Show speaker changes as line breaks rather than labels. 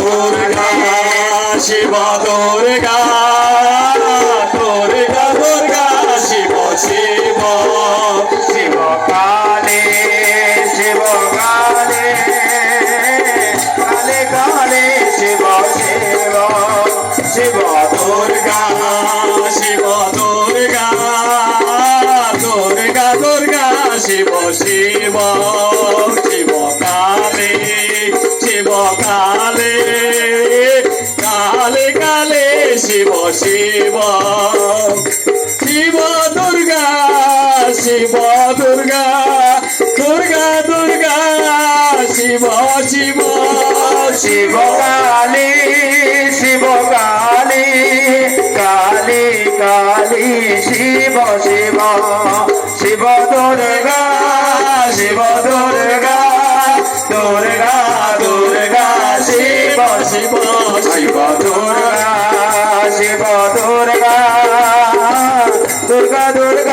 দুর্গা শিব দুর্গা দুর্গা দুর্গা শিব শিব
শিব কালে শিব কালে কালে কালে শিব শিব
শিব দুর্গা শিব দুর্গা দুর্গা দুর্গা শিব শিব শিব কালে শিব কালে কালে কালে শিব শিব শিব দুর্গা শিব দুর্গা দুর্গা দুর্গা শিব শিব
শিব কালী শিব কালী কালী কালী শিব শিব শিব দুর্গা শিব দুর্গা দুর্গা দুর্গা শিব শিব শিব দুর্গা শিব দুর্গা দুর্গা দুর্গা